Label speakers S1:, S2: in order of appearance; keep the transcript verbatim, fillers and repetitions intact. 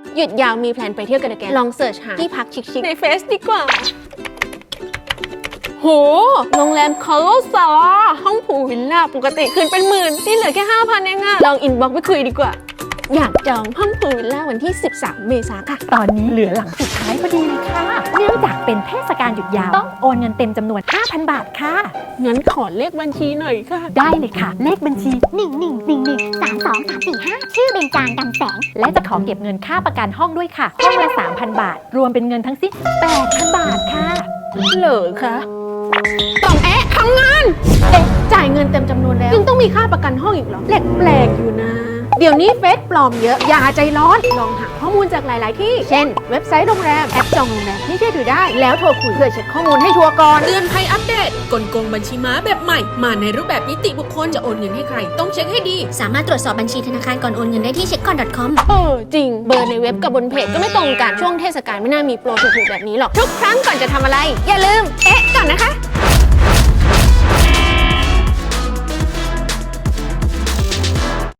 S1: หยุดยาวมีแพลนไปเที่ยวกันแกลองเสิร์ชหาที่พักชิคๆในเฟซดีกว่าโหโรงแรมคาร์ลซาห้องพูลวิลล่าปกติคืนเป็นหมื่นนี่เหลือแค่ ห้าพัน เองอะลองอินบ็อกซ์ไปคุยดีกว่าอยากจองห้องพูลวิลล่าวันที่สิบสามเมษายนค่ะ
S2: ตอนนี้เหลือหลังสุดท้ายพอดีเลยค่ะเนื่องจากเป็นเทศกาลหยุดยาวต้องโอนเงินเต็มจำนวน ห้าพัน บาทค่ะ
S1: งั้นขอเลขบัญชีหน่อยค่ะ
S2: ได้เลยค่ะเลขบัญชี
S3: หนึ่ง หนึ่ง หนึ่ง หนึ่ง สาม สอง สาม สี่ ห้าชื่อเบญจางดำแสง
S2: และจะขอเก็บเงินค่าประกันห้องด้วยค่ะห้องละ สามพัน บาทรวมเป็นเงินทั้งสิ้น แปดพัน บาทค่ะ
S1: เหรอคะต้องแอะทำงานเอ๊ะจ่ายเงินเต็มจำนวนแล้วยังต้องมีค่าประกันห้องอีกเหรอแปลกๆอยู่นะเดี๋ยวนี้เฟซปลอมเยอะอย่าใจร้อนลองหาข้อมูลจากหลายๆที่เช่นเว็บไซต์โรงแรมแอปจองโรงแรมที่เชื่อถือได้แล้วโทรคุยเพื่อเช็คข้อมูลให้ชัวร์ก่อน
S4: เตือนภัยอัปเดตกลโกงบัญชีม้าแบบใหม่มาในรูปแบบนิติบุคคลจะโอนเงินให้ใครต้องเช็คให้ดี
S3: สามารถตรวจสอบบัญชีธนาคารก่อนโอนเงินได้ที่เช็คก่อน .com
S1: เออจริงเบอร์ในเว็บกับบนเพจก็ไม่ตรงกันช่วงเทศกาลไม่น่ามีโปรถูกๆแบบนี้หรอกทุกครั้งก่อนจะทำอะไรอย่าลืม